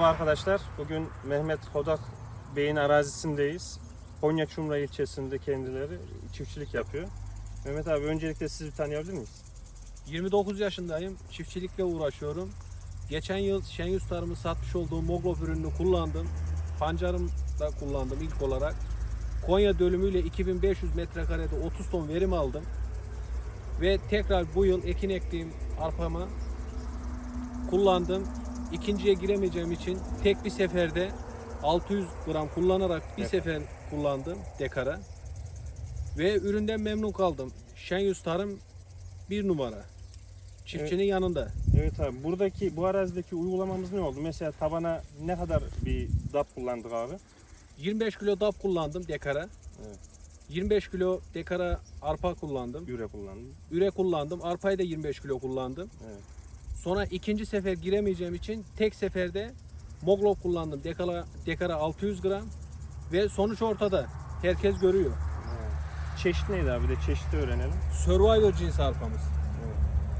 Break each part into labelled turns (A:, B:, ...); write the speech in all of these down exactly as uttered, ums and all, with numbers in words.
A: Merhaba arkadaşlar. Bugün Mehmet Hodak Bey'in arazisindeyiz. Konya Çumra ilçesinde kendileri çiftçilik yapıyor. Mehmet abi, öncelikle sizi tanıyabilir miyiz?
B: yirmi dokuz yaşındayım. Çiftçilikle uğraşıyorum. Geçen yıl Şenyüz Tarım'ın satmış olduğu Moglov ürününü kullandım. Pancarım da kullandım ilk olarak. Konya dönümüyle iki bin beş yüz metrekarede otuz ton verim aldım. Ve tekrar bu yıl ekin ektiğim arpama kullandım. İkinciye giremeyeceğim için tek bir seferde altı yüz gram kullanarak bir
A: Evet.
B: sefer kullandım dekara. Ve üründen memnun kaldım. Şenyüz Tarım bir numara. Çiftçinin
A: Evet.
B: yanında.
A: Evet abi, buradaki bu arazideki uygulamamız ne oldu? Mesela tabana ne kadar bir D A P kullandık abi?
B: yirmi beş kilo D A P kullandım dekara.
A: Evet.
B: yirmi beş kilo dekara arpa kullandım.
A: Üre kullandım.
B: Üre kullandım. Arpayı da yirmi beş kilo kullandım.
A: Evet.
B: Sonra ikinci sefer giremeyeceğim için tek seferde Moglov kullandım. Dekara, dekara altı yüz gram. Ve sonuç ortada. Herkes görüyor.
A: Evet. Çeşit neydi abi? Bir de çeşidi öğrenelim.
B: Survivor cinsi arpamız.
A: Evet.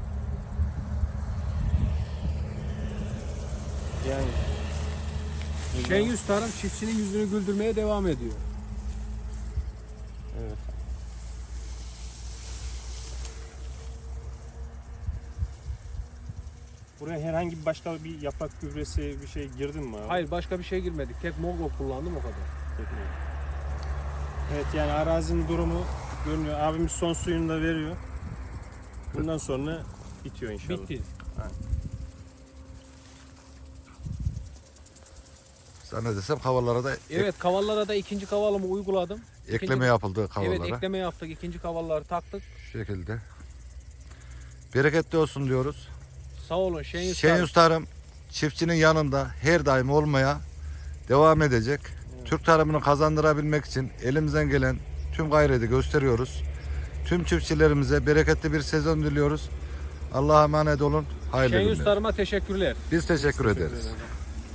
A: Yani
B: Şenyüz Tarım çiftçinin yüzünü güldürmeye devam ediyor.
A: evet. Buraya herhangi bir başka bir yaprak gübresi bir şey girdin mi abi?
B: Hayır, başka bir şey girmedik. Tek Moglov kullandım, o kadar.
A: Evet, yani arazinin durumu görünüyor. Abimiz son suyunu da veriyor. Bundan sonra bitiyor inşallah.
B: Bitti.
C: Zannedersem havalara da ek-
B: Evet, kavallara da ikinci kavalımı uyguladım.
C: ekleme
B: İkinci-
C: yapıldı havalara.
B: Evet, ekleme yaptık. İkinci kavalları taktık.
C: Şu şekilde. Bereketli olsun diyoruz.
B: Sağ olun Şenyüz Tarım.
C: Şenyüz Tarım çiftçinin yanında her daim olmaya devam edecek.
A: Evet.
C: Türk tarımını kazandırabilmek için elimizden gelen tüm gayreti gösteriyoruz. Tüm çiftçilerimize bereketli bir sezon diliyoruz. Allah'a emanet olun. Hayırlı
B: Şenyüz
C: günler.
B: Tarım'a teşekkürler.
C: Biz teşekkür
A: Teşekkür
C: ederiz.
A: ederim.